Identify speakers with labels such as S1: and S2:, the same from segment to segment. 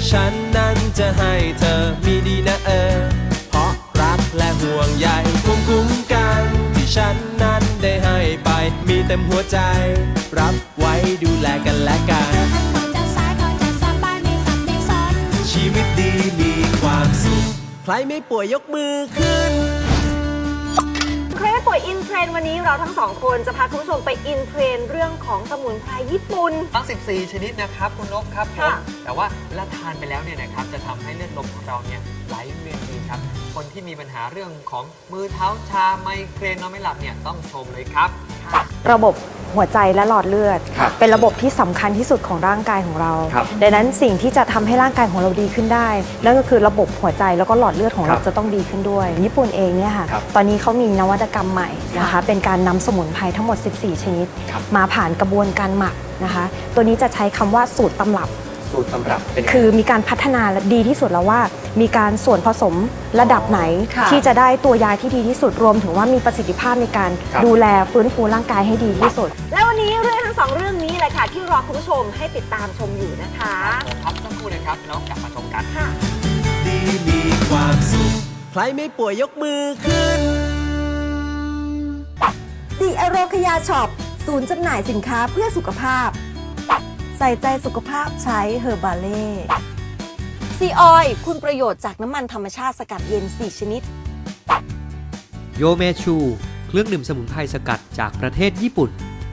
S1: ฉันนั้นจะให้เธอมีดีนะเพราะรักและห่วงใยภูมิคุ้มกันที่ฉันนั้นได้ให้ไปมีเต็มหัวใจรับไว้ดูแลกันและกันชีวิตดีมีความสุขใครไม่ป่วยยกมือขึ้น
S2: ใครไม่ป่วยอินเทรนด์วันนี้เราทั้งสองคนจะพาคุณผู้ชมไปอินเทรนด์เรื่องของสมุนไพรญี่ปุ่น
S3: ทั้ง14ชนิดนะครับคุณนกครับผมแต่ว่าเวลาทานไปแล้วเนี่ยนะครับจะทำให้เลือดลมของเราเนี่ยไหลเวียนดีครับคนที่มีปัญหาเรื่องของมือเท้าชาไมเกรนนอนไม่หลับเนี่ยต้องชมเลยครับ
S4: ระบบหัวใจและหลอดเลือดเป็นระบบที่สำคัญที่สุดของร่างกายของเราดังนั้นสิ่งที่จะทำให้ร่างกายของเราดีขึ้นได้นั่นก็คือระบบหัวใจแล้วก็หลอดเลือดของเราจะต้องดีขึ้นด้วยญี่ปุ่นเองเนี่ยค่ะตอนนี้เขามีนวัตกรรมใหม่นะคะเป็นการนำสมุนไพรทั้งหมด14ชนิดมาผ่านกระบวนการหมักนะคะตัวนี้จะใช้คำว่าสูตรตำรับคือมีการพัฒนาและดีที่สุดแล้วว่ามีการส่วนผสมระดับไหนที่จะได้ตัวยาที่ดีที่สุดรวมถึงว่ามีประสิทธิภาพในการดูแลฟื้นฟูร่างกายให้ดีที่สุด
S2: และวันนี้เรื่องทั้งสองเรื่องนี้แหละค่ะที่รอคุณผู้ชมให้ติดตามชมอยู่นะคะ
S3: ครับสักครู่เลยครับแล้วกลับมาชมกัน
S2: ค่ะ
S1: ดีมีความสุขใครไม่ป่วยยกมือขึ้น
S5: ดิอโรคยาช็อปศูนย์จำหน่ายสินค้าเพื่อสุขภาพใส่ใจสุขภาพใช้เฮอร์บาเล่ซีออยล์คุณประโยชน์จากน้ำมันธรรมชาติสกัดเย็น4ชนิด
S6: โยเมชูเครื่องดื่มสมุนไพรสกัดจากประเทศญี่ปุ่น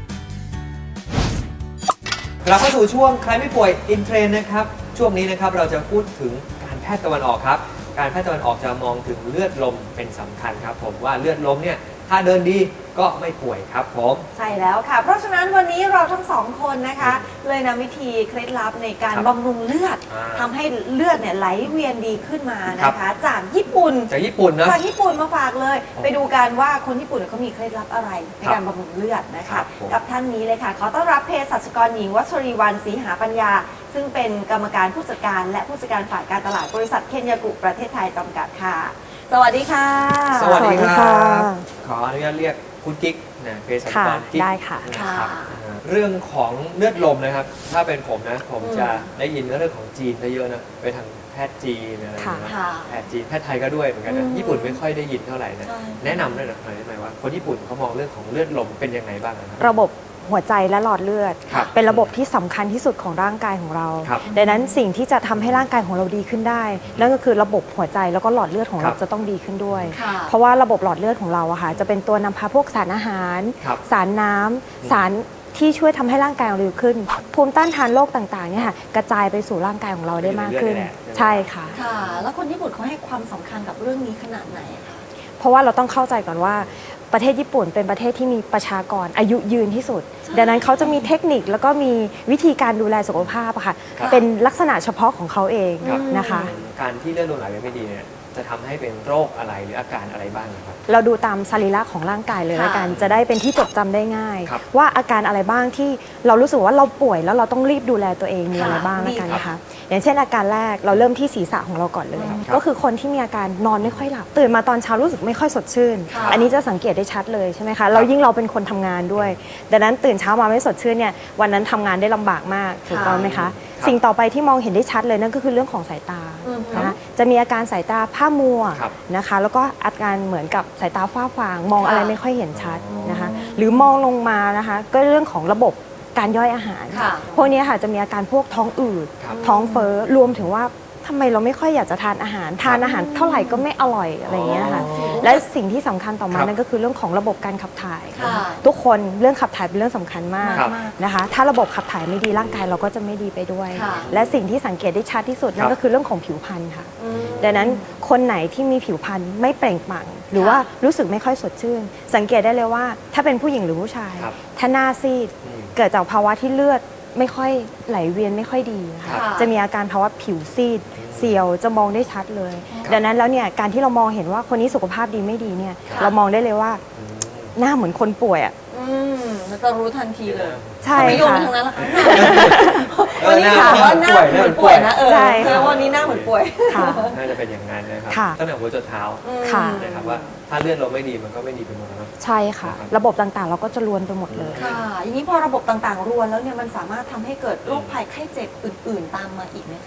S3: กลับมาสู่ช่วงใครไม่ป่วยอินเทรนด์นะครับช่วงนี้นะครับเราจะพูดถึงการแพทย์ตะวันออกครับการแพทย์ตะวันออกจะมองถึงเลือดลมเป็นสำคัญครับผมว่าเลือดลมเนี่ยถ้าเดินดีก็ไม่ป่วยครับผม
S5: ใช่แล้วค่ะเพราะฉะนั้นวันนี้เราทั้งสองคนนะคะเลยนำวิธีเคล็ดลับในการบำรุงเลือดทำให้เลือดเนี่ยไหลเวียนดีขึ้นมานะคะจากญี่ปุ่นนะจากญี่ปุ่นมาฝากเลยไปดูกันว่าคนญี่ปุ่นเขามีเคล็ดลับอะไรในการบำรุงเลือดนะคะกับท่านนี้เลยค่ะขอต้อนรับเภสัชกรหญิงวัชรีวรรณศรีหาปัญญาซึ่งเป็นกรรมการผู้จัดการและผู้จัดการฝ่ายการตลาดบริษัทเคนยากุประเทศไทยจำกัดค่ะสวัสดีค่ะ
S3: สวัสดีครับขออนุญาตเรียกคุณกิ๊กนะเภสัชกรกิ๊ก
S4: ได้ค่ะ
S3: นะครับเรื่องของเลือดลมนะครับถ้าเป็นผมนะผมจะได้ยินเรื่องของจีนเยอะนะไปทางแพทย์จีนอะไรอย่างเงี้ยแพทย์จีนแพทย์ไทยก็ด้วยเหมือนกันนะญี่ปุ่นไม่ค่อยได้ยินเท่าไหร่นะแนะนำได้หน่อยได้ไหมว่าคนญี่ปุ่นเขามองเรื่องของเลือดลมเป็นยังไงบ้างนะครับ
S4: ระบบหัวใจและหลอดเลือดเป็นระบบที่สำคัญที่สุดของร่างกายของเราดังนั้นสิ่งที่จะทำให้ร่างกายของเราดีขึ้นได้นั่นก็คือระบบหัวใจแล้วก็หลอดเลือดของเราจะต้องดีขึ้นด้วยเพราะว่าระบบหลอดเลือดของเราอะค่ะจะเป็นตัวนำพาพวกสารอาหารสารน้ำสารที่ช่วยทำให้ร่างกายเราดีขึ้นภูมิต้านทานโรคต่างๆเนี่ยค่ะกระจายไปสู่ร่างกายของเราได้มากขึ้นใช่ค่ะ
S5: แล้วคนญี่ปุ่นเขาให้ความสำคัญกับเรื่องนี้ขนาดไหนคะ
S4: เพราะว่าเราต้องเข้าใจก่อนว่าประเทศญี่ปุ่นเป็นประเทศที่มีประชากรอายุยืนที่สุดดังนั้นเขาจะมีเทคนิคแล้วก็มีวิธีการดูแลสุขภาพค่ะเป็นลักษณะเฉพาะของเขาเองนะคะ
S3: การที่เลือดลมไหลไม่ดีเนี่ยจะทำให้เป็นโรคอะไรหรืออาการอะไรบ้างครับ
S4: เราดูตามสรีระของร่างกายเลยละกันจะได้เป็นที่จดจำได้ง่ายว่าอาการอะไรบ้างที่เรารู้สึกว่าเราป่วยแล้วเราต้องรีบดูแลตัวเองมีอะไรบ้างละกันนะคะอย่างเช่นอาการแรกเราเริ่มที่ศีรษะของเราก่อนเลยก็คือคนที่มีอาการนอนไม่ค่อยหลับตื่นมาตอนเช้ารู้สึกไม่ค่อยสดชื่นอันนี้จะสังเกตได้ชัดเลยใช่ไหมคะเรายิ่งเราเป็นคนทำงานด้วยดังนั้นตื่นเช้ามาไม่สดชื่นเนี่ยวันนั้นทำงานได้ลำบากมากถูกต้องไหมคะสิ่งต่อไปที่มองเห็นได้ชัดเลยนั่นก็คือเรื่องของสายตานะจะมีอาการสายตาผ้ามัวนะคะแล้วก็อาการเหมือนกับสายตาฝ้าฟางมองอะไรไม่ค่อยเห็นชัดนะคะหรือมองลงมานะคะก็เรื่องของระบบการย่อยอาหารพวกนี้ค่ะจะมีอาการพวกท้องอืดท้องเฟ้อรวมถึงว่าทำไมเราไม่ค่อยอยากจะทานอาหารเท่าไหร่ก็ไม่อร่อยอะไรอย่างเงี้ยค่ะและสิ่งที่สำคัญต่อมานั่นก็คือเรื่องของระบบการขับถ่ายทุกคนเรื่องขับถ่ายเป็นเรื่องสำคัญมากนะคะถ้าระบบขับถ่ายไม่ดีร่างกายเราก็จะไม่ดีไปด้วยและสิ่งที่สังเกตได้ชัดที่สุดนั่นก็คือเรื่องของผิวพรรณค่ะดังนั้นคนไหนที่มีผิวพรรณไม่เปล่งปลั่งหรือว่ารู้สึกไม่ค่อยสดชื่นสังเกตได้เลยว่าถ้าเป็นผู้หญิงหรือผู้ชายถ้าหน้าซีดเกิดจากภาวะที่เลือดไม่ค่อยไหลเวียนไม่ค่อยดีค่ะจะมีอาการภาวะผิวซีดเสียวจะมองได้ชัดเลยดังนั้นแล้วเนี่ยการที่เรามองเห็นว่าคนนี้สุขภาพดีไม่ดีเนี่ยเรามองได้เลยว่าหน้าเหมือนคนป่วยอ่ะ
S5: เราจะรู้ทันทีเลย
S4: ใช่
S5: ค่ะทางนั้นละค่ะวันนี้ถามว่าหน้าเหมือนป่วยนะใช่ค่ะวันนี้หน้าเหมือนป่วย
S3: น่าจะเป็นอย่างนั้นนะครับตั้งแต่หัวจนเท้านะครับว่าถ้าเลือดเราไม่ดีมันก็ไม่ดีไปหมดนะ
S4: ใช่ค่ะระบบต่างๆเราก็จะรวนไปหมดเลย
S5: ค่ะอย่างนี้พอระบบต่างๆรวนแล้วเนี่ยมันสามารถทำให้เกิดโรคภัยไข้เจ็บอื่นๆตามมาอีกไหมคะ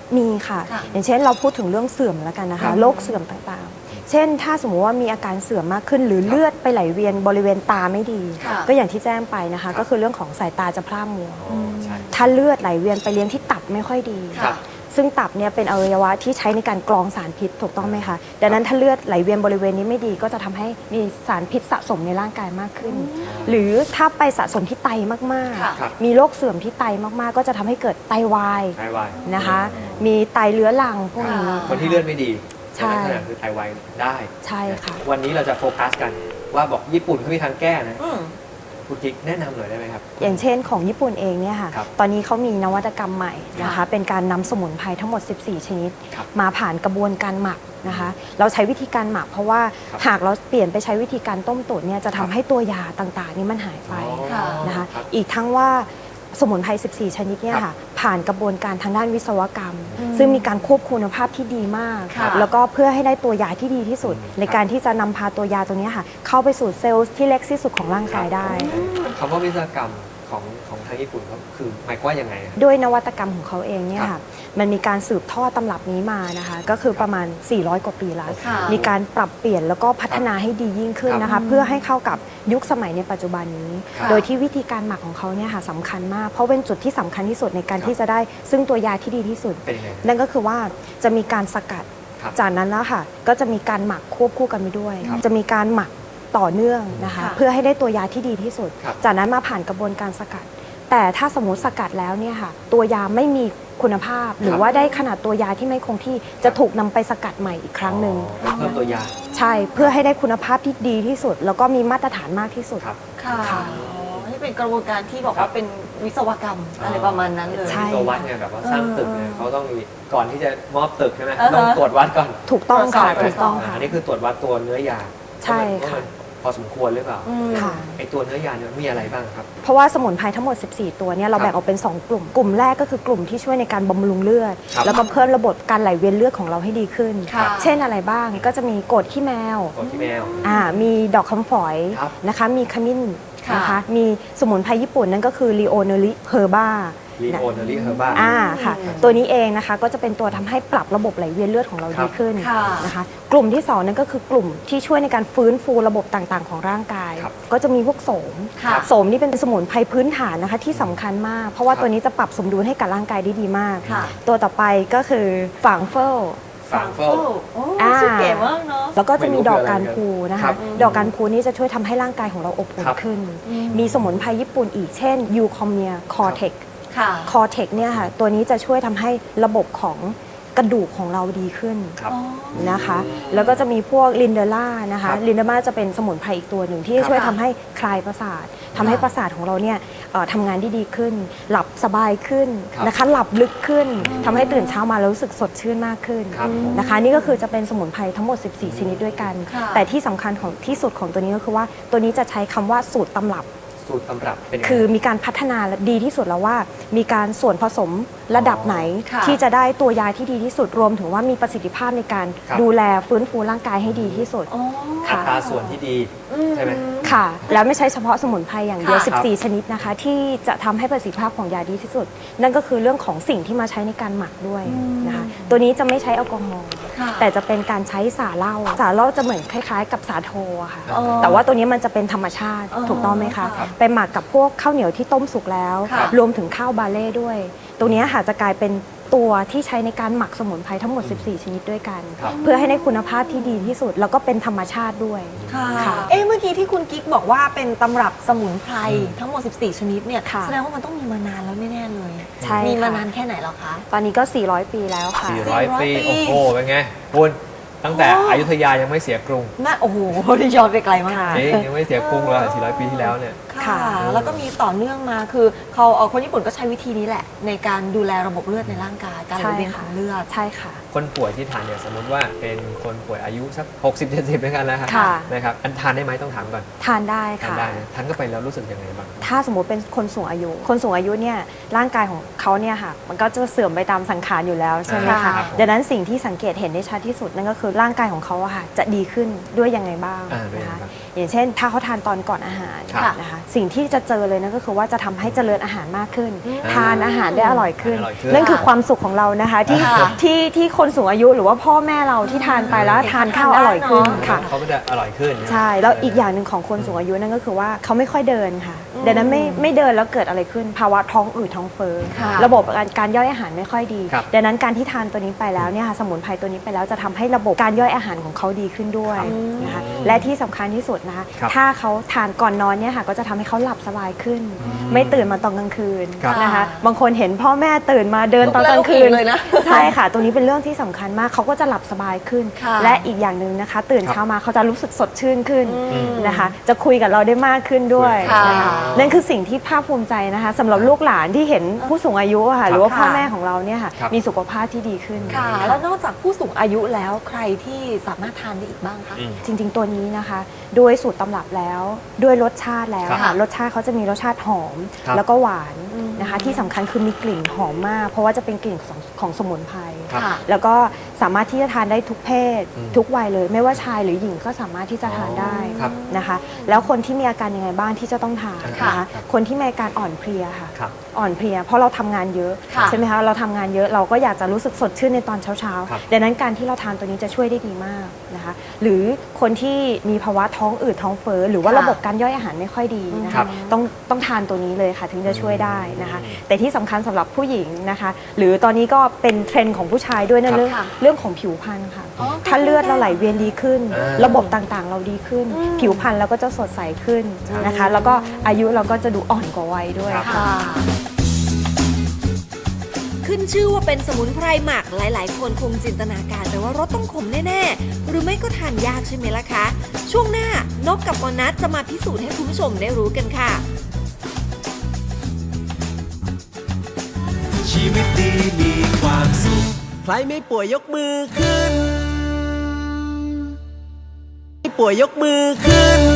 S4: มีค่ะ
S5: ค่ะ
S4: อย่างเช่นเราพูดถึงเรื่องเสื่อมแล้วกันนะ
S3: ครั
S4: คะ
S3: บ
S4: โรคเสื่อมต่างๆ เช่น ถ้าสมมติว่ามีอาการเสื่อมมากขึ้น หรือเลือดไปไหลเวียนบริเวณตาไม่ดี
S5: ค่ะ
S4: ก็อย่างที่แจ้งไปนะ
S3: ครั
S4: คะ
S3: บ
S4: ก็คือเรื่องของสายตาจะพร่ามัว
S3: อ๋อใช่
S4: ถ้าเลือดไหลเวียนไปเลี้ยงที่ตับไม่ค่อยดี
S3: ครับ
S4: ซึ่งตับเนี่ยเป็นอวัยวะที่ใช้ในการกรองสารพิษถูกต้องไหมคะ ดังนั้นถ้าเลือดไหลเวียนบริเวณนี้ไม่ดีก็จะทำให้มีสารพิษสะสมในร่างกายมากขึ้น หรือถ้าไปสะสมที่ไตมาก
S5: ค่ะ
S3: ครับ
S4: ๆ มีโรคเสื่อมที่ไตมากๆ ก็จะทำให้เกิดไตวาย
S3: ไตวาย
S4: นะคะ มีไตเลื้อรังพวกนี้
S3: คนที่เลือดไม่ดี
S4: ใช่
S3: ลักษณะคือไตวายได้
S4: ใช่ค่ะ
S3: วันนี้เราจะโฟกัสกันว่าบอกญี่ปุ่นเขามีทางแก้นะ
S5: อืม
S3: คุณกิ๊กแนะนำหน่อยได้ไหมครับ
S4: อย่างเช่นของญี่ปุ่นเองเนี่ยค่ะ
S3: ครับ
S4: ตอนนี้เขามีนวัตกรรมใหม่นะคะ
S5: ค่ะ
S4: เป็นการนำสมุนไพรทั้งหมด 14 ชนิด
S3: ครับ
S4: มาผ่านกระบวนการหมักนะคะ เราใช้วิธีการหมักเพราะว่า
S3: ครับ
S4: หากเราเปลี่ยนไปใช้วิธีการต้มตุ๋นเนี่ยจะ
S3: ครั
S4: ทำ
S3: บ
S4: ให้ตัวยาต่างๆ นี่มันหายไป
S5: ค่ะ
S4: นะคะ
S3: รับ
S4: อีกทั้งว่าสมุนไพร 14 ชนิดเนี่ย
S3: ครั
S4: ค่ะ
S3: บ
S4: ผ่านกระบวนการทางด้านวิศวกรรม
S5: อืม
S4: ซึ่งมีการควบคุมคุณภาพที่ดีมาก
S5: ค่ะ
S4: แล้วก็เพื่อให้ได้ตัวยาที่ดีที่สุด
S3: อืม
S4: ในการที่จะนำพาตัวยาตัวเนี้ยค่ะ เข้าไปสู่เซลล์ที่เล็กที่สุดของร่างกายได้
S3: คำว่าวิศวกรรมของทางญี่ปุ่นเขาคือหมายความว่ายังไงอะ
S4: ด้วยนวัตกรรมของเขาเองเนี่ย
S3: ครั
S4: ค่ะ
S3: บ
S4: มันมีการสืบทอดตำรับนี้มานะคะ ก็คือประมาณ 400 กว่าปีแล้ว
S5: ค่ะ
S4: มีการปรับเปลี่ยนแล้วก็พัฒนาให้ดียิ่งขึ้นนะ
S3: ครั
S4: คะ
S3: บ
S4: เพื่อให้เข้ากับยุคสมัยในปัจจุบันนี้
S3: ค่ะ
S4: โดยที่วิธีการหมักของเขาเนี่ยค่ะสำคัญมาก เพราะเป็นจุดที่สำคัญที่สุดในการ
S3: ครับ
S4: ที่จะได้ซึ่งตัวยาที่ดีที่สุด
S3: เป็นยังไง
S4: นั่นก็คือว่าจะมีการสกัด
S3: ครับ
S4: จากนั้นแล้วค่ะ ก็จะมีการหมักควบคู่กันไปด้วย
S3: ครับ
S4: จะมีการหมักต่อเนื่องนะคะ
S5: ค่ะ
S4: เพื่อให้ได้ตัวยาที่ดีที่สุด
S3: ครับ
S4: จากนั้นมาผ่านกระบวนการสกัด แต่ถ้าสมมติสกัดแล้วเนี่ยค่ะ ตัวยาไม่มีคุณภาพ หรือว่าได้ขนาดตัวยาที่ไม่คงที่จะถูกนำไปสกัดใหม่อีกครั้งหนึ่ง
S3: อ๋อเพิ่มตัวยา
S4: ใช่เพื่อให้ได้คุณภาพที่ดีที่สุด แล้วก็มีมาตรฐานมากที่สุด
S3: ครับ
S5: ค่ะ
S4: ค่ะ
S5: อ๋อนี่เป็นกระบวนการที่บอก
S3: ครั
S5: ว่า
S3: บ
S5: เป็นวิศวกรรมอะไรประมาณนั้นเลย
S4: ใช่
S3: มีตัววัดไงแบบว่าสร้างตึกเนี่ย
S5: เออ
S3: เขาต้องมีก่อนที่จะมอบตึกใช่ไหม
S5: อ่าฮะ
S3: ต้องตรวจวัดก่อน
S4: ถูกต้องค่ะ
S5: ตรวจสอบ
S4: ถูกต้องค่ะ
S3: อันนี้คือตรวจวัดตัวเนื้อยา
S4: ใช่
S3: ว่า
S4: ค่ะ
S3: มันพอสมควรหรือเปล่า
S5: อืม
S4: ค่ะ
S3: ไอตัวเนื้อยาเนี่ยมีอะไรบ้างครับ
S4: เพราะว่าสมุนไพรทั้งหมด 14 ตัวเนี่ยเรา
S3: ครับ
S4: แบ่งออกเป็น 2 กลุ่ม กลุ่มแรกก็คือกลุ่มที่ช่วยในการบำรุงเลือด
S3: ครับ
S4: แล้วก็เพิ่มระบบการไหลเวียนเลือดของเราให้ดีขึ้น
S5: ค่ะ
S4: เช่นอะไรบ้าง ก็จะมีกรดขี้แมว
S3: ตัวที่แมว
S4: มีดอกคำฝอย
S3: ครับ
S4: นะคะ มีขมิ้น
S5: ค่ะ
S4: นะคะ มีสมุนไพรญี่ปุ่นนั่นก็คือลีโอเนริเฮอร์บา
S3: ลีโอเนอรี่เฮอร์บ้า
S4: ค่ะ ตัวนี้เองนะคะก็จะเป็นตัวทำให้ปรับระบบไหลเวียนเลือดของเรา
S3: ครับ
S4: ดีขึ้น
S5: ค่ะ
S4: นะคะ กลุ่มที่ 2 นั่นก็คือกลุ่มที่ช่วยในการฟื้นฟูระบบต่างๆ ของร่างกาย
S3: ครับ
S4: ก็จะมีพวกโสม
S5: ค่ะ
S4: โสมนี่เป็นสมุนไพรพื้นฐานนะคะที่สำคัญมาก เพราะว่า
S3: ครับ
S4: ตัวนี้จะปรับสมดุลให้กับร่างกายได้ดีมาก
S5: ค่ะ
S4: ตัวต่อไปก็คือฝางเฟิล
S3: ฝางเฟิล
S5: โอ้
S4: อ่า
S5: ชื่อเก๋มากเนาะ
S4: แล้วก็จะมี
S3: ไม่รู้
S4: ดอก
S3: คืออะไร
S4: การพูนะ
S3: ครั
S4: คะ
S3: บ
S4: ดอกการพูนี่จะช่วยทำให้ร่างกายของเราอบอุ่น
S3: ครับ
S4: ขึ้น
S5: อืม
S4: มีสมุนไพรญี่ปุ่นอีกเช่นยูคอมเนียคอเทค
S5: ค่ะ
S4: คอเทคเนี่ยค่ะตัวนี้จะช่วยทำให้ระบบของกระดูกของเราดีขึ้น
S3: ครับ
S5: อ๋อ
S4: นะคะ แล้วก็จะมีพวกลินเดล่านะ
S3: ครั
S4: คะ
S3: บ
S4: ลินเดล่าจะเป็นสมุนไพรอีกตัวหนึ่งที่
S3: ครับ
S4: ช่วยทำให้คลายประสาททำให้ประสาทของเราเนี่ยทำงานได้ดีขึ้น หลับสบายขึ้น
S3: ครับ
S4: นะคะ หลับลึกขึ้นทำให้ตื่นเช้ามาแล้วรู้สึกสดชื่นมากขึ้น
S3: ครับผม
S4: นะคะ นี่ก็คือจะเป็นสมุนไพรทั้งหมด 14 ชนิดด้วยกัน
S5: ค่ะ
S4: แต่ที่สำคัญของที่สุดของตัวนี้ก็คือว่าตัวนี้จะใช้คำว่าสูตรตำรับ
S3: สูตรตำรับเป็นยังไง
S4: คือมีการพัฒนาดีที่สุดแล้วว่า มีการส่วนผสมระดับไหน
S5: ค่ะ
S4: ที่จะได้ตัวยาที่ดีที่สุดรวมถึงว่ามีประสิทธิภาพในการ
S3: ครับ
S4: ดูแลฟื้นฟูร่างกายให้ดีที่สุด
S5: อ๋อ
S3: อัตราส่วนที่ดีใช่ไหม
S4: ค่ะ แล้วไม่ใช่เฉพาะสมุนไพรอย่างเดียว
S5: ค่ะ
S4: 14 ชนิดนะคะ ที่จะทำให้ประสิทธิภาพของยาดีที่สุด นั่นก็คือเรื่องของสิ่งที่มาใช้ในการหมักด้วยนะคะ ตัวนี้จะไม่ใช้แอลกอฮอล์
S5: ค่ะ
S4: แต่จะเป็นการใช้สาเหล้าสาเหล้าจะเหมือนคล้ายๆ กับสาโทอะค่ะ
S5: อ๋อ
S4: แต่ว่าตัวนี้มันจะเป็นธรรมชาติ
S5: อ๋อ
S4: ถูกต้องไหมคะ
S5: ครับ
S4: ไปหมักกับพวกข้าวเหนียวที่ต้มสุกแล้ว
S5: ค่ะ
S4: รวมถึงข้าวบาเล่ด้วย ตัวนี้ค่ะจะกลายเป็นตัวที่ใช้ในการหมักสมุนไพรทั้งหมด 14 ชนิดด้วยกัน
S3: ครับ
S4: เพื่อให้ได้คุณภาพที่ดีที่สุด แล้วก็เป็นธรรมชาติด้วย
S5: ค่ะ
S4: ค่ะ
S5: เอ๊ะเมื่อกี้ที่คุณกิ๊กบอกว่าเป็นตำรับสมุนไพรทั้งหมด 14 ชนิดเนี่ย
S4: ค่ะ
S5: แสดงว่ามันต้องมีมานานแล้วแน่ๆเลย
S4: ใช่
S5: มีมา
S4: ค่ะ
S5: นานแค่ไหนแล้วคะ
S4: ตอนนี้ก็ 400 ปีแล้วค่ะ
S3: 400 ปี
S5: 400
S3: โอ้โห เป็นไงคุณตั้งแต่
S5: โอ้
S3: อยุธยายังไม่เสียกรุง
S5: น่าโอ้โหนี่ย้อนไปไกลมาก
S4: ค่ะ
S3: จริงยังไม่เสียกรุงเลย400 ปีที่แล้วเนี่ย
S5: ค่ะ แล้วก็มีต่อเนื่องมาคือเขาคนญี่ปุ่นก็ใช้วิธีนี้แหละ ในการดูแลระบบเลือดในร่างกาย การไหลเวียนของเลือด
S4: ใช่ค่ะ
S3: คนป่วยที่ทานเนี่ยสมมติว่าเป็นคนป่วยอายุสัก 60-70ด้วยกันแล้วครับ
S4: ค่ะ
S3: นะครับอันทานได้ไหมต้องถามก่อน
S4: ทานได้
S3: ทาน
S4: ค่ะ
S3: ได้นะทานเข้าไปแล้วรู้สึกยังไงบ้าง
S4: ถ้าสมมติเป็นคนสูงอายุ คนสูงอายุเนี่ยร่างกายของเขาเนี่ยค่ะ มันก็จะเสื่อมไปตามสังขารอยู่แล้วใช่ไหม
S5: ครั
S4: คะ
S5: บผม
S4: ดังนั้นสิ่งที่สังเกตเห็นได้ชัดที่สุดนั่นก็คือร่างกายของเขาอะค่ะจะดีขึ้นด้วยยังไงบ้าง
S3: ด้วย
S4: นะ
S3: ยังไง
S4: คะ
S3: บ้าง
S4: อย่างเช่น ถ้าเขาทานตอนก่อนอาหาร
S3: ครับ
S4: นะคะสิ่งที่จะเจอเลยนั่นก็คือว่าจะทำให้เจริญอาหารมากขึ้น ทานอาหารได้อร่อยขึ้น
S3: อร่อยขึ้น
S4: นั่นคือความสุขของเรานะคะที่คนสูงอายุหรือว่าพ่อแม่เราที่ทานไปแล้วทานข้าวอร่อยขึ้นค่ะ
S3: เขาก็จะอร่อยขึ้นนะ
S4: ใช่แล้วอีกอย่างหนึ่งของคนสูงอายุนั่นก็คือว่าเขาไม่ค่อยเดินค่ะดังนั้นไม่เดินแล้วเกิดอะไรขึ้นภาวะท้องอืดท้องเฟ้อ
S5: ค่ะ
S4: ระบบการย่อยอาหารไม่ค่อยดี
S3: ครับ
S4: ดังนั้นการที่ทานตัวนี้ไปแล้วเนี่ยค่ะสมุนไพรตัวนี้ไปแล้วจะทำให้ระบบการย่อยอาหารของเขาดีขึ้นด้วยนะคะและที่สำคัญที่สุดนะคะ
S3: ครับ
S4: ถ้าเขาทานก่อนนอนเนี่ยค่ะก็จะทำให้เขาหลับสบายขึ้น ไม่ตื่นมาตอนกลางคืน
S3: ครับ
S4: นะคะบางคนเห็นพ่อแม่ตื่นมาเดินตอนกลางคืน
S5: ลุกเลยนะ
S4: ใช่ค่ะ ตรงนี้เป็นเรื่องที่สำคัญมากเขาก็จะหลับสบายขึ้น
S5: ค่ะ
S4: และอีกอย่างหนึ่งนะคะ ตื่น
S3: ครับ
S4: เช้ามาเขาจะรู้สึกสดชื่นขึ้นนะคะ จะคุยกับเราได้มากขึ้นด้วย
S5: ค่ะ
S4: นะคะนั่นคือสิ่งที่ภาคภูมิใจนะคะสำหรับลูกหลานที่เห็นผู้สูงอายุอะค่ะหรือว่าพ่อแม่ของเราเนี่ยค่ะ
S3: ครับ
S4: มีสุขภาพที่ดีขึ้น
S5: ค่ะ แล้วนอกจากผู้สูงอายุแล้วใครที่สามารถทานได้อีกบ้างคะ
S3: อืม
S4: จริง ๆ ตัวนี้นะคะด้วยสูตรตำรับแล้วด้วยรสชาติแล้ว
S3: ครับ
S4: ค่ะรสชาติเขาจะมีรสชาติหอม
S3: ครับ
S4: แล้วก็หวานนะคะที่สำคัญคือมีกลิ่นหอมมาก เพราะว่าจะเป็นกลิ่นของสมุนไพร
S3: ครับ
S5: ค่ะ
S4: แล้วก็สามารถที่จะทานได้ทุกเพศ
S3: อืม
S4: ทุกวัยเลย ไม่ว่าชายหรือหญิงก็สามารถที่จะทานได้
S3: ครับ
S4: นะคะ แล้วคนที่มีอาการยังไงบ้างที่จะต้องทาน
S3: ค่ะ
S4: นะคะคนที่มีอาการอ่อนเพลียค่ะ
S3: ครับ
S4: อ่อนเพลียเพราะเราทำงานเยอะ
S5: ค่ะ
S4: ใช่ไหมคะเราทำงานเยอะเราก็อยากจะรู้สึกสดชื่นในตอนเช้า
S3: ครับ
S4: ๆดังนั้นการที่เราทานตัวนี้จะช่วยได้ดีมากนะคะหรือคนที่มีภาวะท้องอืดท้องเฟ้อหรือว่า
S5: ค่ะ
S4: ระบบการย่อยอาหารไม่ค่อยดีนะ
S3: ครั
S4: คะ
S3: บ
S4: ต้องทานตัวนี้เลยค่ะถึงจะช่วยได้นะคะ แต่ที่สำคัญสำหรับผู้หญิงนะคะ หรือตอนนี้ก็เป็นเทรนด์ของผู้ชายด้วย
S3: ครั
S4: นะ
S3: บ
S4: เรื่องของผิวพรรณค่ะ
S5: อ๋อ
S4: ถ้าเลือดเราไหลเวียนดีขึ้น
S3: อ่า
S4: ระบบต่างๆ เราดีขึ้น ผิวพรรณเราก็จะสดใสขึ้นนะคะ แล้วก็อายุเราก็จะดูอ่อนกว่าวัยด้วย
S3: ครับ
S4: ค่ะ
S7: ขึ้นชื่อว่าเป็นสมุนไพรหมักหลายๆ คนคงจินตนาการไปว่ารสต้องขมแน่ๆ หรือไม่ก็ทานยากใช่ไหมล่ะคะ ช่วงหน้านกกับมอนัสจะมาพิสูจน์ให้คุณผู้ชมได้รู้กันค่ะ
S1: ชีวิตดีมีความสุข ใครไม่ป่วยยกมือขึ้น ไม่ป่วยยกมือขึ้น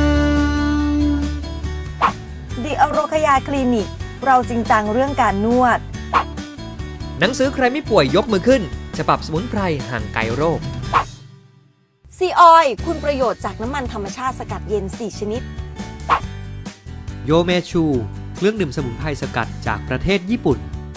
S5: ดิอโรคยาคลินิก เราจริงจังเรื่องการนวด
S6: หนังสือใครไม่ป่วยยกมือขึ้น ฉบับสมุนไพรห่างไกลโรค
S5: ซีออยล์คุณประโยชน์จากน้ำมันธรรมชาติสกัดเย็น 4 ชนิด
S6: โยเมชู เครื่องดื่มสมุนไพรสกัดจากประเทศญี่ปุ่น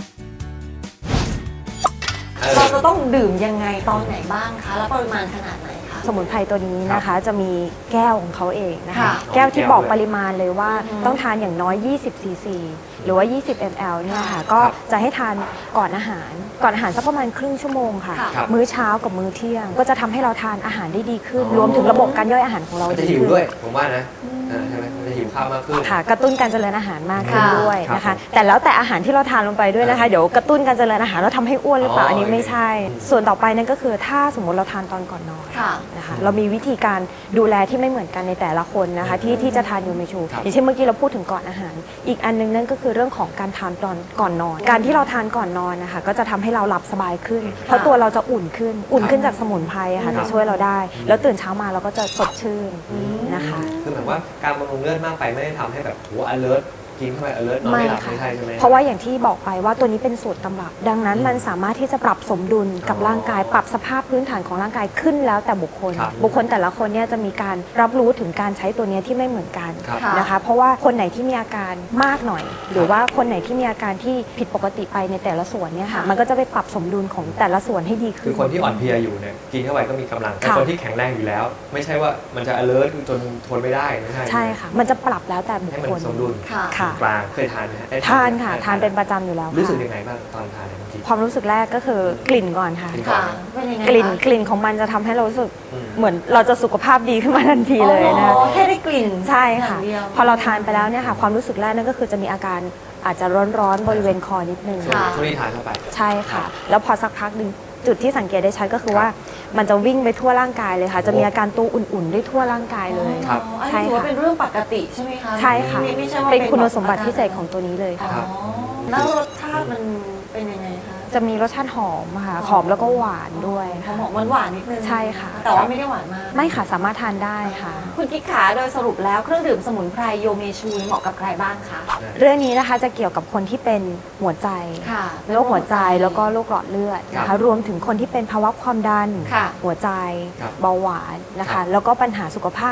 S5: เราจะต้องดื่มยังไงตอนไหนบ้างคะ แล้วปริมาณขนาดไหนคะ
S4: สมุนไพรตัวนี้นะคะจะมีแก้วของเขาเองนะคะ
S5: ค่ะ
S4: แก้วที่บอกปริมาณเลยว่าต้องทานอย่างน้อย 20 ซีซี หรือว่า 20 ml เนี่ยค่ะ ก็จะให้ทานก่อนอาหารสักประมาณครึ่งชั่วโมงค่ะ
S5: ค่ะ
S3: ครับ
S4: มื้อเช้ากับมื้อเที่ยง ก็จะทำให้เราทานอาหารได้ดีขึ้น รวมถึงระบบการย่อยอาหารของเรา
S3: มันจะ
S4: ดี
S3: หิว
S4: ขึ้น
S3: ด้วยผมว่านะใช่ไหมมันจะหิวข้าวมากขึ้น
S4: ค่ะกระตุ้นการเจริญอาหารมากขึ้น
S5: ค่ะ
S4: ด้วยนะ
S3: ครั
S4: คะ
S3: บ
S4: แต่แล้วแต่อาหารที่เราทานลงไปด้วยนะคะ เดี๋ยวกระตุ้นการเจริญอาหารแล้วทำให้อ้วนหรือเปล่า
S3: อ๋ออั
S4: อันนี้ไม่
S3: โอเค
S4: ใช่ ส่วนต่อไปนั่นก็คือถ้าสมมติเราทานตอนก่อนนอน
S5: ค่ะ
S4: นะคะเรามีวิธีการดูแลที่ไม่เหมือนกันในแต่ละคนนะคะที่จะทานยูเมชู
S3: ครับ
S4: อย่างเช่นเมื่อกี้เราพูดถึงก่อนอาหาร อีกอันนึงนั่นก็คือเรื่องของการทานตอนก่อนนอน การที่เราทานก่อนนอนนะคะก็จะทำให้เราหลับสบายขึ้น เพราะตัวเราจะอุ่นขึ้นจากสมุนไพรอะค่ะจะช่วยเราได้ แล้วตื่นเช้ามาเราก็จะสดชื่นนะคะ
S3: คือหมายว่าการบำรุงเลือดมากไปไม่ได้ทำให้แบบโห alert กินเข้าไป alert นอนไม่หลับไม่ใช่ใช่ไหม
S4: เพราะว่าอย่างที่บอกไปว่าตัวนี้เป็นสูตรตำรับ ดังนั้นมันสามารถที่จะปรับสมดุลกับร่างกาย ปรับสภาพพื้นฐานของร่างกายขึ้นแล้วแต่บุคคล
S3: ครับ
S4: บุคคลแต่ละคนเนี่ยจะมีการรับรู้ถึงการใช้ตัวเนี้ยที่ไม่เหมือนกัน
S3: ครับ
S4: นะคะ เพราะว่าคนไหนที่มีอาการมากหน่อย หรือว่าคนไหนที่มีอาการที่ผิดปกติไปในแต่ละส่วนเนี่ยค่ะ มันก็จะไปปรับสมดุลของแต่ละส่วนให้ดีขึ้น
S3: คือคนที่อ่อนเพลียอยู่เนี่ยกินเข้าไปก็มีกำลังแต่
S4: ค่ะ
S3: คนที่แข็งแรงอยู่แล้ว ไม่ใช่ว่ามันจะ alert จนทนไม่ได้ไม่ใช่
S4: ใช่ค่ะ มันจะปรับแล้วแต่บุค
S3: ให้มัน
S4: คล
S3: สมดุล
S5: ค่ะ
S4: ค่ะ
S3: กลางเคยทานไหมฮะได้
S4: ทานค่ะ
S3: ได้
S4: ทานเป็นประจำอยู่แล้ว
S3: รู้สึก
S4: ค่ะ
S3: ยังไงบ้างตอนทานเนี่ยบางที
S4: ความรู้สึกแรกก็คือกลิ่นก่อนค่ะ
S3: กลิ่น
S5: ค่ะ เป็นยังไง
S4: กลิ่น
S5: คะ
S4: กลิ่นของมันจะทำให้เรารู้สึก
S3: อืม
S4: เหมือนเราจะสุขภาพดีขึ้นมาทันทีเลยนะคะ
S5: อ๋อแค่ได้กลิ่น
S4: ใช่ค่ะ
S5: อย่างเดียว
S4: พอเราทานไปแล้วเนี่ยค่ะ ความรู้สึกแรกนั่นก็คือจะมีอาการอาจจะร้อนๆบริเวณคอนิดนึง
S5: ค่ะ
S3: ช่วงที่ทานเข้าไป
S4: ใช่ค่ะ แล้วพอสักพักหนึ่งจุดที่สังเกตได้ชัดก็คือว่ามันจะวิ่งไปทั่วร่างกายเลยค่ะ จะมีอาการตัวอุ่นๆได้ทั่วร่างกายเลย
S3: ครับ
S5: อ๋ออัน
S4: ใช่
S5: นี้ถือว่า
S4: ค่ะ
S5: เป็นเรื่องปกติใช่ไหมคะ
S4: ใช่ค่ะ
S5: ไม่ใช่ว่า
S4: เป็นคุณ
S5: แบบ
S4: สมบัติพิเศษของตัวนี้เลย
S5: อ๋อ
S4: ค่ะ
S5: แล้วรสชาติมันเป็นยังไงคะ
S4: จะมีรสชาติหอมค่ะหอมแล้วก็หวานด้วย
S5: ห
S4: ค่ะ
S5: อมหวานๆนิดนึง
S4: ใช่ค่ะ
S5: แต่ว่าไม่ได้หวานมาก
S4: ไม่ค่ะสามารถทานได้ค่ะ
S5: คุณกิ๊กขาโดยสรุปแล้วเครื่องดื่มสมุนไพรโยเมชูเหมาะกับใครบ้างคะ
S4: เรื่องนี้นะคะจะเกี่ยวกับคนที่เป็นหัวใจ
S5: ค่ะ
S4: โรคหัวใจแล้วก็โรคหลอดเลือดนะ
S3: ครั
S4: คะ
S3: บ
S4: รวมถึงคนที่เป็นภาวะความดัน
S5: ค่ะ
S4: หัวใจ
S3: ครับ
S4: เบาหวานนะ
S3: ครั
S4: คะ
S3: บ
S4: แล้วก็ปัญหาสุขภาพ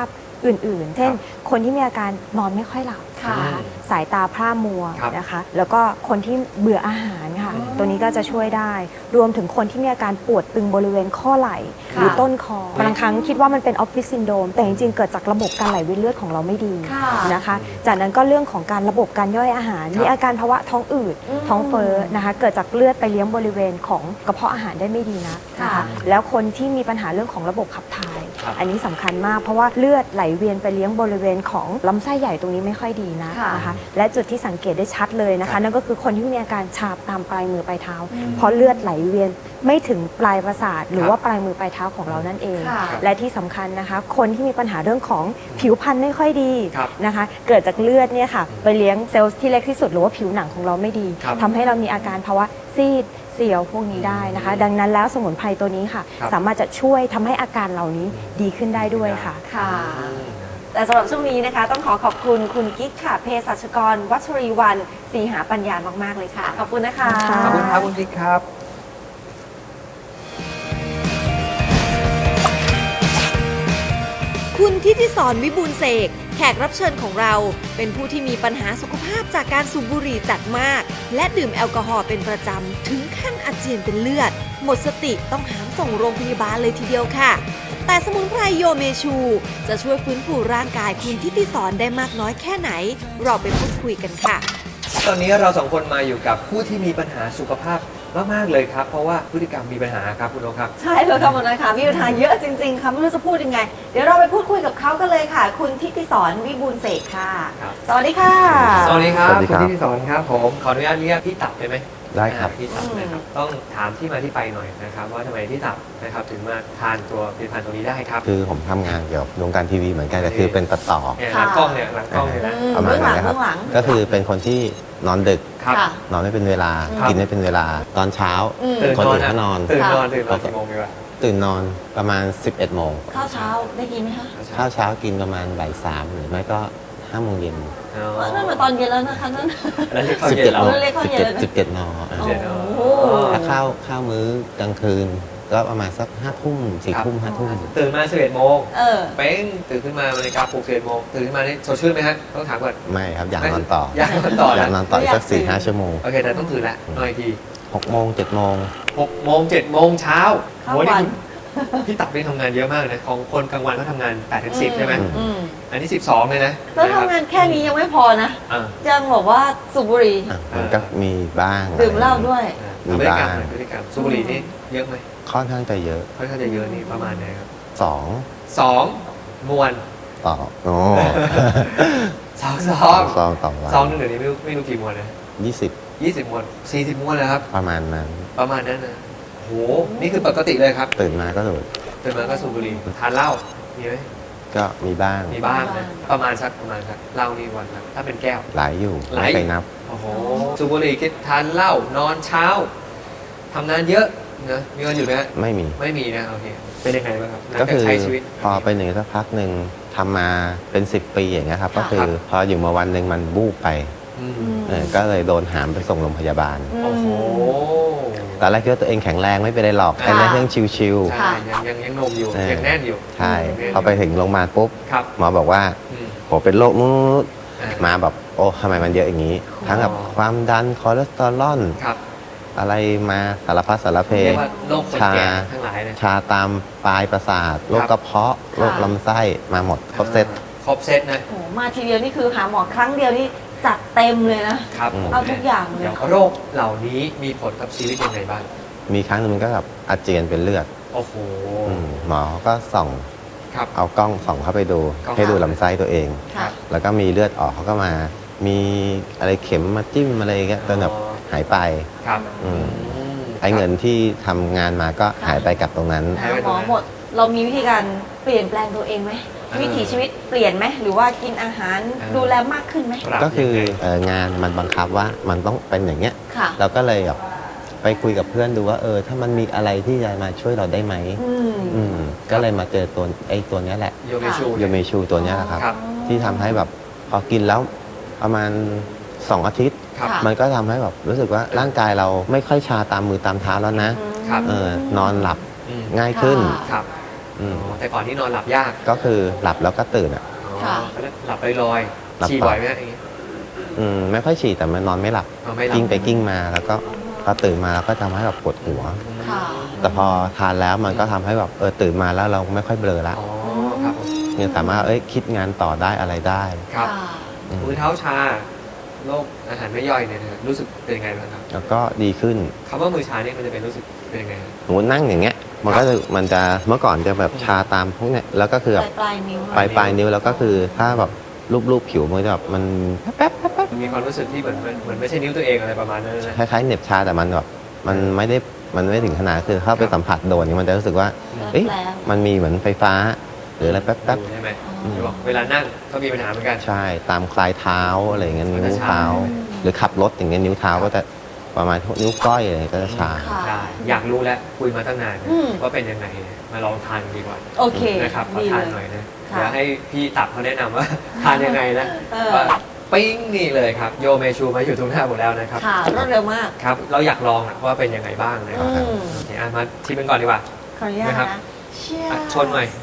S4: อื่นๆ เช่น คนที่มีอาการนอนไม่ค่อยหลับ
S5: ค่ะ
S4: นะคะสายตาพร่ามัว
S3: ครับ
S4: นะคะ แล้วก็คนที่เบื่ออาหารค่ะตัวนี้ก็จะช่วยได้ รวมถึงคนที่มีอาการปวดตึงบริเวณข้อไหล่หรือต้นคอบางครั้งคิดว่ามันเป็นออฟฟิศซินโดรมแต่จริงๆเกิดจากระบบการไหลเวียนเลือดของเราไม่ดี
S5: ค่ะ
S4: นะคะจากนั้นก็เรื่องของการระบบการย่อยอาหาร มีอาการภาวะท้องอืดท้องเฟ้อนะคะเกิดจากเลือดไปเลี้ยงบริเวณของกระเพาะอาหารได้ไม่ดีนะนะคะ
S5: ค่ะ
S4: แล้วคนที่มีปัญหาเรื่องของระบบขับถ่าย
S3: ครับ
S4: อันนี้สำคัญมากเพราะว่าเลือดไหลเวียนไปเลี้ยงบริเวณของลำไส้ใหญ่ตรงนี้ไม่ค่อยดีนะ
S5: ค่ะ
S4: นะคะและจุดที่สังเกตได้ชัดเลยนะคะนั่นก็คือคนที่มีอาการชาตามปลายมือปลายเท้า เพราะเลือดไหลเวียนไม่ถึงปลายประสาทหรือว่าปลายมือปลายเท้าของเรานั่นเอง
S5: ค่ะ
S4: และที่สำคัญนะคะคนที่มีปัญหาเรื่องของผิวพรรณไม่ค่อยดี
S3: ครับ
S4: นะคะเกิดจากเลือดเนี่ยค่ะไปเลี้ยงเซลล์ที่เล็กที่สุดหรือว่าผิวหนังของเราไม่ดี
S3: ครับ
S4: ทำให้เรามีอาการภาวะซีดเสียวพวกนี้ได้นะคะ ดังนั้นแล้วสมุนไพรตัวนี้ค่ะ
S3: ครับ
S4: สามารถจะช่วยทำให้อาการเหล่านี้ดีขึ้นได้ด้วยค่ะ
S5: ค่ะ แต่สำหรับช่วงนี้นะคะ ต้องขอขอบคุณคุณกิ๊กค่ะเภสัชกรวัชรีวรรณศรีหาปัญญามากๆเลยค่ะ ขอบคุณนะคะ
S4: ค่ะ
S3: ขอบคุณครับคุณกิ๊กครับ
S7: คุณทิติสรวิบูลย์เสกแขกรับเชิญของเรา เป็นผู้ที่มีปัญหาสุขภาพจากการสูบบุหรี่จัดมาก และดื่มแอลกอฮอล์เป็นประจำ ถึงขั้นอาเจียนเป็นเลือด หมดสติต้องหามส่งโรงพยาบาลเลยทีเดียวค่ะ แต่สมุนไพรโยเมชู จะช่วยฟื้นฟูร่างกายคุณทิติสรได้มากน้อยแค่ไหน เราไปพูดคุยกันค่ะ
S3: ตอนนี้เราสองคนมาอยู่กับผู้ที่มีปัญหาสุขภาพมากๆเลยครับ เพราะว่าพฤติกรรมมีปัญหาครับคุณโอครับ
S5: ใช่เลยค่ะหมดเลยค่ะมีปัญหาเยอะจริง ๆ ค่ะไม่รู้จะพูดยังไง เดี๋ยวเราไปพูดคุยกับเขากันเลยค่ะ คุณทิติสรวิบูลย์เสกค่ะ
S3: ครับ
S5: สวัสดีค่ะ
S3: สวัสดีครับ
S8: สวัสดี
S3: คุ
S8: ค
S3: ณ
S8: รับ
S3: ที่สอนครับผมขออนุญาตเรียกพี่ตับได้ไหม
S8: ได้ครับ
S3: พี่ตับนะครับต้องถามที่มาที่ไปหน่อยนะครับว่าทำไมพี่ตับนะครับถึงมาทานตัวผลิตภัณฑ์ตัวนี้ได้ครับ
S8: คือผมทำงานเกี่ยวกับวงการทีวีเหมือนกันแต่คือเป็นตัดต่อ
S3: เนี่ยหลังกล้องเนี่ยหลังกล้องเนี่ยนะ
S8: ประมาณนั้นนะครับ
S5: เบื้องหลัง
S8: ก็คือเป็นคนที่นอนดึก
S3: ครับ
S5: ค่ะ
S8: นอนไม่เป็นเวลา
S3: ครับ
S8: กินไม่เป็นเวลา ตอนเช้า
S3: ตื่น
S8: คน
S3: นอน
S8: อื่นเขานอน
S3: ตื่นนอน
S5: ค่ะ
S3: ตื่นนอนกี่โมงดีวะ
S8: ตื่นนอนประมาณ 11 โมง
S5: ข้าวเช้าได้กินไหมคะ
S8: ข้าวเช้ากินประมาณบ่าย3หรือไม่ก็5 โมงเย็น
S3: อ๋อ
S5: นั่นมาตอนเย็นแล้วนะคะนั่น
S3: อันนั้นเรียกข้าวเย็น
S8: 17
S3: เรา
S8: โมง
S5: เรียกข้าวเย็น
S8: 17 นอ
S5: โอ้
S3: เย็นเนอะ
S5: โห
S8: ถ้าข้าวมื้อกลางคืน ก็ประมาณสัก5 ทุ่ม4 ทุ่ม5 ทุ่ม
S3: ตื่นมา11 โมง
S5: เออ
S3: เป้งตื่นขึ้นมานาฬิกาปลุก11 โมงตื่นขึ้นมานี่สดชื่นไหมฮะต้องถามก่อน
S8: ไม่ครับอยากนอนต่อ
S3: อยากนอนต่อ
S8: อยา
S3: นะ
S8: กนอนต่ออีกสัก 4-5 ชั่วโมง
S3: โอเคแต่ต้องตื่นแล้วนอนอีกที
S8: 6 โมง 7 โมง
S3: 6 โมง 7 โมงเช้า
S5: เข้า
S3: โหนี่
S5: วัน
S3: คุณพี่ตับนี่ทำงานเยอะมากนะของคนกลางวันเขาทำงาน8ถึง10ใช่ไหม
S5: อืม
S3: อันนี้ 12เลยนะ
S5: แล้วทำงานแค่นี้ยังไม่พอนะ
S3: อ่า
S5: ยังบอกว่าสูบบุหรี่
S8: อ่ะมันก็มีบ้าง
S5: ดื่มเหล้าด้วย
S3: พฤติกรรมหน่อยพฤติกรรมสูบบุหรี่นี่เยอะไหม
S8: ค่อนข้างจะเยอะ
S3: ค่อนข้างจะเยอะนี่ประมาณไหนครับ
S8: 2
S3: 2 มวน
S8: ต่อโอ้
S3: ซอง
S8: ซองต่อวัน
S3: ซองนึงเดี๋ยวนี้ไม่รู้กี่มวนนะ
S8: 20
S3: 20 มวน 40 มวนเลยครับ
S8: ประมาณนั้น
S3: ประมาณนั้นนะโหนี่คือปกติเลยครับ
S8: ตื่นมาก็สูด
S3: ตื่นมาก็สูบบุหรี่ทานเหล้ามีไหม
S8: ก็มีบ้าง
S3: มีบ้างนะประมาณสักเหล้านี่วันละถ้าเป็นแก้ว
S8: หลายอยู่
S3: หลาย
S8: ไม่ไปนับ
S3: โอ้โหสูบบุหรี่กินทานเหล้านอนเช้าทำงานเยอะนะมีเงินอยู่ไหมฮะ
S8: ไม่มี
S3: ไม่มีนะโอเคเป็นยังไงบ้างครับหลัง
S8: ก็
S3: จาก
S8: คือ
S3: ใช้ชีวิต
S8: พอไปหนึ่งสักพักหนึ่งทำมาเป็น 10 ปีอย่างเงี้ยครับ ก็คือ
S3: ครับ
S8: พออยู่มาวันหนึ่งมันบูบไป
S3: อืม
S8: ก็เลยโดนหามไปส่งโรงพยาบาล
S3: โอ้โห
S8: ตอนแรกคิดว่าตัวเองแข็งแรงไม่เป็นไรหรอกแค่เรื่องชิว
S3: ใช่ยังนมอยู่
S8: เออ
S3: ยังแน่นอยู่
S8: ๆ ใช่ พอไปถึงโรงพยาบาลปุ๊บ
S3: ครับ
S8: หมอบอกว่า
S3: อืม
S8: โหเป็นโรคนู้น
S3: อ่า
S8: มาแบบโอ้ทำไมมันเยอะอย่างนี้ ทั้งแบบความดันคอเลสเตอรอล
S3: ครับ
S8: อะไรมาสารพัดสารเพ
S3: เรียกว่าโรคคนแก่ทั้งหลายนะ
S8: ชาตามปลายประสาทโรคกระเพาะโรคลำไส้มาหมดครบเซต
S3: ครบเซตนะ
S5: โอ้โหมาทีเดียวนี่คือหาหมอครั้งเดียวนี่จัดเต็มเลยนะ
S3: ครับ
S5: เอาทุกอย่างเลย
S3: โรคเหล่านี้มีผลกับชีวิตยังไงบ้าง
S8: มีครั้งหนึงมันก็แบบอาเจียนเป็นเลือด
S3: โอ้โห
S8: หมอก็ส่อง
S3: ครับ
S8: เอากล้องส่องเข้าไปดู
S3: กล้อง
S8: ให้ดูลำไส้ตัวเอง
S5: ค่ะ
S8: แล้วก็มีเลือดออกเขาก็มา มีอะไรเข็มมาจิ้มอะไรอย่างเงี้ยจนแบบหายไป
S3: ครับ
S8: อืม ไอ้เงินที่ทำงานมาก็หายไปกับตรงนั้น
S3: หายไป
S5: หมอหมด เรามีวิธีการเปลี่ยนแปลงตัวเองไหม วิถีชีวิตเปลี่ยนไหมหรือว่ากินอาหารดูแลมากขึ้นไหม
S3: ปรับ
S8: ก็คือ
S3: ยังไง
S8: งานมันบังคับว่ามันต้องเป็นอย่างเงี้ย
S5: ค่ะ
S8: เราก็เลยแบบไปคุยกับเพื่อนดูว่าถ้ามันมีอะไรที่จะมาช่วยเราได้ไหม
S5: อืม
S8: ก็เลยมาเจอตัวเนี้ยแหละ
S3: โยเมชู
S8: โยเมชูตัวเนี้ยแหละครับ
S3: ครับ
S8: ที่ทำให้แบบพอกินแล้วประมาณ 2 อาทิตย์
S3: ครับ
S5: ค่ะ
S8: มันก็ทำให้แบบรู้สึกว่าร่างกายเราไม่ค่อยชาตามมือตามเท้าแล้วนะ
S3: ครับ
S8: นอนหลับ
S3: อืม
S8: ง่ายขึ้น
S3: ครับ
S8: อืม
S3: แต่ก่อนนี่นอนหลับยาก
S8: ก็คือหลับแล้วก็ตื่นอ่ะ
S5: ค่ะ
S3: หลับลอย
S8: หลับ
S3: ๆฉี่
S8: ต่อ
S3: บ่อยไหมอย่างงี้
S8: ไม่ค่อยฉี่แต่มันนอนไม่หลับ
S3: นอนไม่หลับ
S8: กิ้งไปกิ้งมาแล้วก็พอตื่นมาแล้วก็ทำให้แบบปวดหัว
S5: ค่ะ
S8: แต่พอทานแล้วมันก็ทำให้แบบตื่นมาแล้วเราไม่ค่อยเบลอละ
S3: อ๋อครับผม
S8: ยังสามารถคิดงานต่อได้อะไรได้
S3: ครับ
S5: ค่ะ
S8: อืม
S3: มือเท้าชาโรคอาหารไม่ย่อยเนี่ยนะครับรู้สึกเป็นยังไงบ้างครับ
S8: แล้วก็ดีขึ้น
S3: คำว่ามือชาเนี่ยมันจะเป็นรู้สึกเป็นยังไงครับ
S8: สมมตินั่งอย่างเงี้ยมันก็จะมันจะเมื่อก่อนจะแบบชาตามพวกเนี้ยแล้วก็คือแบบ
S5: ปลายนิ้ว
S8: ปลายนิ้วแล้วก็คือถ้าแบบรูปผิวมันจะแบบมันแป๊บ
S3: มีความรู้สึกที่เหมือนไม่ใช่นิ้วตัวเองอะไรประมาณนั้นนะ
S8: คล้ายๆเหน็บชาแต่มันแบบมันไม่ถึงขนาดคือเข้าไปสัมผัสโดนเนี่ยมันจะรู้สึกว่าเอ๊ะ
S5: แล้ว
S8: มันมีเหมือนไฟฟ้า หรืออะไรแป๊บ
S3: ใช่ไหมที่บอกเวลานั่งก็มีปัญหาเหมือนกัน
S8: ๆใช่ตามคลายเท้าอะไรอย่างเงี้ย
S3: มัน
S8: นิ้
S3: จะ
S8: ว
S3: ชา
S8: เท้า หรือขับรถอย่างเงี้ยนิ้วเท้าก็จะประมาณพวกนิ้วก้อยอะไรก็จะชา
S5: ค่ะ
S3: ใช่อยากรู้แล้วคุยมาตั้งนาน
S5: อืม
S3: ว่าเป็นยังไงมาลองทานดีกว่า
S5: โอเค
S3: นะครับขอ
S5: ดี
S3: ทา
S5: เล
S3: น
S5: ย
S3: หน่อยนะ
S5: ค่ะ
S3: เดี๋ยวให้พี่ตับเขาแนะนำว่า ทานยังไงนะ
S5: เออ
S3: ว่าปิ้งนี่เลยครับโยเมชูมาอยู่ตรงหน้าผมแล้วนะครับ
S5: ค่ะรวดเร็วมาก
S3: ครับเราอยากลองอะว่าเป็นยังไงบ้างนะครับ
S5: อืม
S3: โอเคมาชิมกันก่อนดีกว่า
S5: ขออนุญาต
S3: นะครับ
S5: นะเชี่ย
S3: ชนหน่อย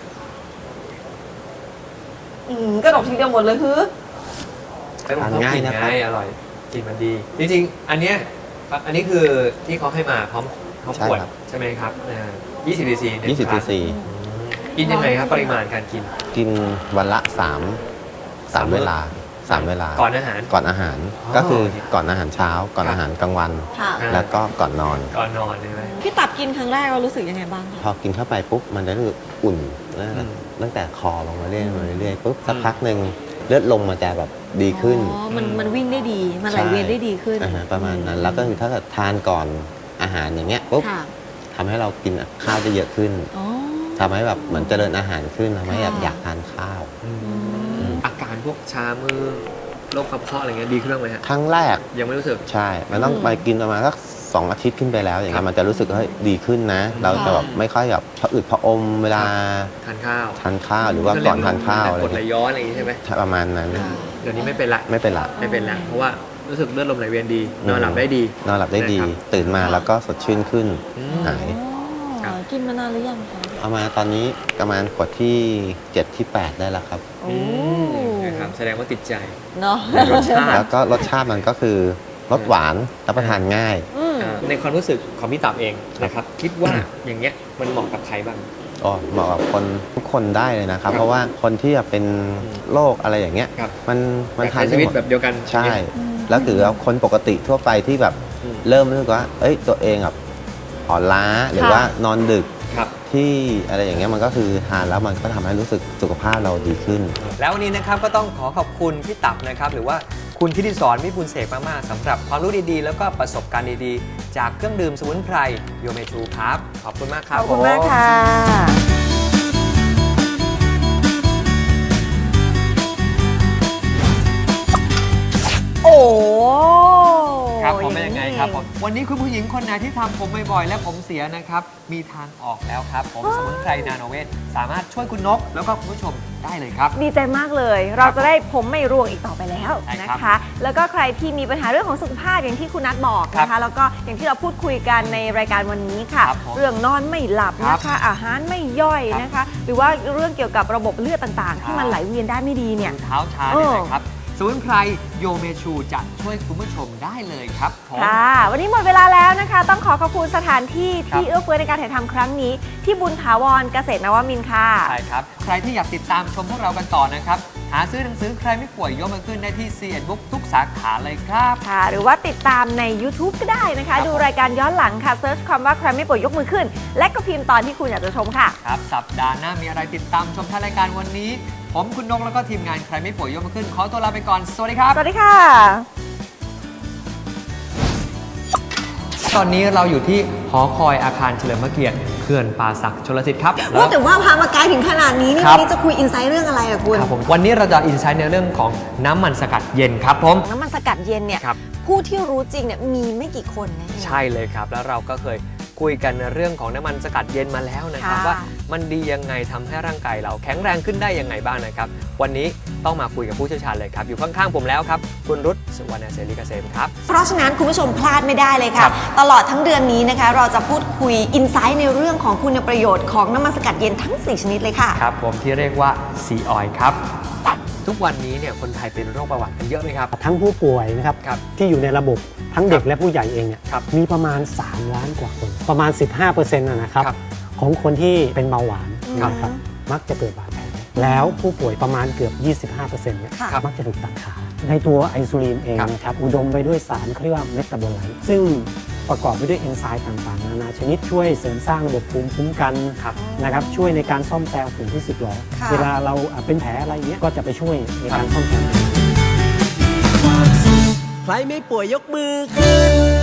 S5: กระดกทีเดียวหมดเลยคือ
S3: แต่ผม
S8: ทาน
S3: ชอบ
S8: ง่าย
S3: กิน
S8: นะครับ
S3: ง่ายอร่อยกลินมันดี จริงๆ อันเนี้ยอันนี้คือที่เขาให้มาพร้อมขวดใช่ไหมครับ20 cc
S8: 20 cc
S3: กินยังไงครับปริมาณการกิน
S8: กินวันละ3 เวลา 3 เวลา
S3: ก่อนอาหาร
S8: ก่อนอาหาร
S3: อ๋อ
S8: ก็คือก่อนอาหารเช้า ก่อนอาหารกลางวัน
S5: ค่ะ
S8: แล้วก็ก่อนนอน
S3: ก่อนนอนใช่ไหม
S5: พี่ตับกินครั้งแรกเรารู้สึกยังไงบ้าง
S8: พอกินเข้าไปปุ๊บมันจะรู้สึกอุ่นตั้งแต่คอลงมาเรื่อยๆปุ๊บสักพักหนึ่งเลือดลมมันจะแบบดีขึ้น
S5: อ๋อ มันวิ่งได้ดี มันไหลเวียนได้ดีขึ้น
S8: ประมาณนั้น แล้วก็คือถ้าเกิดทานก่อนอาหารอย่างเงี้ยปุ๊บ
S5: ค่ะ
S8: ทำให้เรากินข้าวได้เยอะขึ้น
S5: อ๋อ
S8: ทำให้แบบเหมือนเจริญอาหารขึ้นทำให้แบบ
S5: ค่ะ
S8: อยากทานข้าว
S3: อาการพวกชามือโรคกระเพาะอะไรเงี้ยดีขึ้นบ้างไหมฮะ
S8: ครั้งแรก
S3: ยังไม่รู้สึก
S8: ใช่ มันต้องไปกินประมาณสัก2 อาทิตย์ขึ้นไปแล้วอย่างเงี้ยมันจะรู้สึกว่าเฮ้ยดีขึ้นนะ เราจะแบบไม่ค่อยแบบผะอืดผะอมเวลา
S3: ทานข้าว
S8: ทานข้าวหรือว่าก่อนทานข้าวอะไร
S3: กดไหล
S8: เงี้ย
S3: ย้อนอะไรอย่างงี้ใช่ไหม
S8: ประมาณนั้น
S3: เดี๋ยวนี้ไม่เป็นละ
S8: ไม่เป็นไร
S3: ไม่เป็นละเพราะว่ารู้สึกเลือดลมไหลเวียนดี นอนหลับได้ดี
S8: นอนหลับได้ดี
S3: นะครับ
S8: ตื่นมาแล้วก็สดชื่นขึ้น
S3: อืม
S8: หาย
S3: ครับ
S5: กินมานานหรือยังคะ
S8: เอามาตอนนี้ประมาณขวดที่ 7 ที่ 8 ได้แล้วครับ
S5: โอ้
S3: นะครับแสดงว่าติดใจ
S5: เนาะ
S3: รสชาติ
S8: แล้วก็รสชาติมันก็คือรสหวานรับประทานง่าย
S3: ในความรู้สึกของพี่ตับเองนะครับ คิดว่าอย่างเงี้ยมันเหมาะกับใครบ้าง
S8: อ๋อเหมาะกับคนทุกคนได้เลยนะครับ เพราะว่าคนที่แบบเป็นโรคอะไรอย่างเงี้ย
S3: ครับ
S8: มันทาน
S3: ใช้
S8: ได้
S3: ชีวิต
S8: หมด
S3: แบบเดียวกัน
S8: ใช่ แล้วถือว่าคนปกติทั่วไปที่แบบ
S3: อืม
S8: เริ่มรู้สึกว่า เอ้ยตัวเองแบบอ่อนล้าหรือว่านอนดึก
S3: ครับ
S8: ที่อะไรอย่างเงี้ยมันก็คือทานแล้วมันก็ทำให้รู้สึกสุขภาพเราดีขึ้น
S6: แล้ววันนี้นะครับก็ต้องขอขอบคุณพี่ตับนะครับหรือว่าคุณทิติสรวิบูลย์เสกมากๆสำหรับความรู้ดีๆ แล้วก็ประสบการณ์ดีๆ จากเครื่องดื่มสมุนไพรโยเมชูครับ ขอบคุณมากครับ
S2: ขอบคุณมากค่ะ โอ้
S6: ครับผมเป็นยังไงครับผมวันนี้คุณผู้หญิงคนไหนที่ทำผมบ่อยๆและผมเสียนะครับมีทางออกแล้วครับผมสมุนไพรนาโนเวทสามารถช่วยคุณนก แล้วก็คุณผู้ชมได้เลยครับ
S2: ดีใจมากเลย เราจะได้ผมไม่ร่วงอีกต่อไปแล้ว
S6: ใช่
S2: นะครับ คะ แล้วก็ใครที่มีปัญหาเรื่องของสุขภาพอย่างที่คุณนัทบอกนะ
S6: ครั
S2: คะ
S6: บ
S2: แล้วก็อย่างที่เราพูดคุยกันในรายการวันนี้ค่ะ
S6: ครับผม
S2: เรื่องนอนไม่หลับ
S6: ครับ
S2: นะคะ อาหารไม่ย่อย
S6: ครับ
S2: นะคะ หรือว่าเรื่องเกี่ยวกับระบบเลือดต่างๆ ที่มันไหลเวียนได้ไม่ดีเนี่ย
S6: เท้าชาเนี่ยนะครับสมุนไพรโยเมชูจะช่วยคุณผู้ชมได้เลยครับผม
S2: ค่ะ วันนี้หมดเวลาแล้วนะคะ ต้องขอขอบคุณสถานที่
S6: ครับ
S2: ที่เอื้อเฟื้อในการถ่ายทำครั้งนี้ ที่บุญถาวรเกษตรนวมินทร์ค่ะ
S6: ใช่ครับ ใครที่อยากติดตามชมพวกเรากันต่อนะครับ หาซื้อหนังสือใครไม่ป่วยยกมาขึ้นได้ที่ C&Book ทุกสาขาเลยครับ
S2: ค่ะ หรือว่าติดตามใน YouTube ก็ได้นะคะ
S6: ครับ
S2: ดูรายการย้อนหลังค่ะเซิร์ชคำว่าใครไม่ป่วยยกมือขึ้น และก็พิมพ์ตอนที่คุณอยากจะชมค่ะ
S6: ครับ สัปดาห์หน้ามีอะไรติดตามชมท้ายรายการวันนี้ ผมคุณนกแล้วก็ทีมงานใครไม่ป่วยยกมาขึ้น ขอตัวลาไปก่อน สวัสดีครับ
S2: สวัสดีค่ะ
S6: ตอนนี้เราอยู่ที่หอคอยอาคารเฉลิมพระเกียรติเขื่อนป่าสักชลสิทธิ์ครับ
S5: ว่าแต่ว่าพามาไกลถึงขนาดนี้นี่
S6: ครับ
S5: วันนี้จะคุยอินไซต์เรื่องอะไรอะคุณ
S6: ครับผมวันนี้เราจะอินไซต์ในเรื่องของน้ำมันสกัดเย็นครับผม
S5: น้ำมันสกัดเย็นเนี่ย
S6: ครับ
S5: ผู้ที่รู้จริงเนี่ยมีไม่กี่คนนะ
S6: ใช่เลยครับ แล้วเราก็เคยคุยกันในเรื่องของน้ำมันสกัดเย็นมาแล้วนะครับ
S2: ค่ะ
S6: ว่ามันดียังไงทำให้ร่างกายเราแข็งแรงขึ้นได้ยังไงบ้างนะครับ วันนี้ต้องมาคุยกับผู้เชี่ยวชาญเลยครับ อยู่ข้างๆผมแล้วครับคุณรุตสุวรรณเสรีเกษมครับ
S5: เพราะฉะนั้นคุณผู้ชมพลาดไม่ได้เลย
S6: ค
S5: ค่ะ
S6: รับ
S5: ตลอดทั้งเดือนนี้นะคะ เราจะพูดคุยอินไซต์ในเรื่องของคุณประโยชน์ของน้ำมันสกัดเย็นทั้ง 4 ชนิดเลยค่ะ
S6: ครับผมที่เรียกว่าซีออยล์ครับทุกวันนี้เนี่ยคนไทยเป็นโรคเบาหวานกันเยอะไหมครับ
S9: ทั้งผู้ป่วยนะครับ
S6: ครับ
S9: ที่อยู่ในระบบทั้งเด็กและผู้ใหญ่เองเนี่ย
S6: ครับ
S9: มีประมาณ 3 ล้านกว่าคน ประมาณ 15%นะครับ
S6: ครับ
S9: ของคนที่เป็นเบาหวาน
S6: ครับ
S9: นะครับมักจะเกิดบาดแผลแล้วผู้ป่วยประมาณเกือบ 25%เนี่ย
S5: ค่ะ
S9: มักจะถูกตัดขาในตัวไอซูลินเอง
S6: ครับ
S9: นะครับอุดมไปด้วยสารเขาเรียกว่าเมตาโบไลต์ซึ่งประกอบไปด้วยเอนไซม์ต่างๆนานาชนิดช่วยเสริมสร้างระบบภูมิคุ้มกันนะครับช่วยในการซ่อมแซมส่วนที่สึกหรอ
S5: ค่ะ
S9: เวลาเราเป็นแผลอะไรเงี้ยก็จะไปช่วยในการซ่อมแซม
S1: ใครไม่ป่วยยกมือขึ้น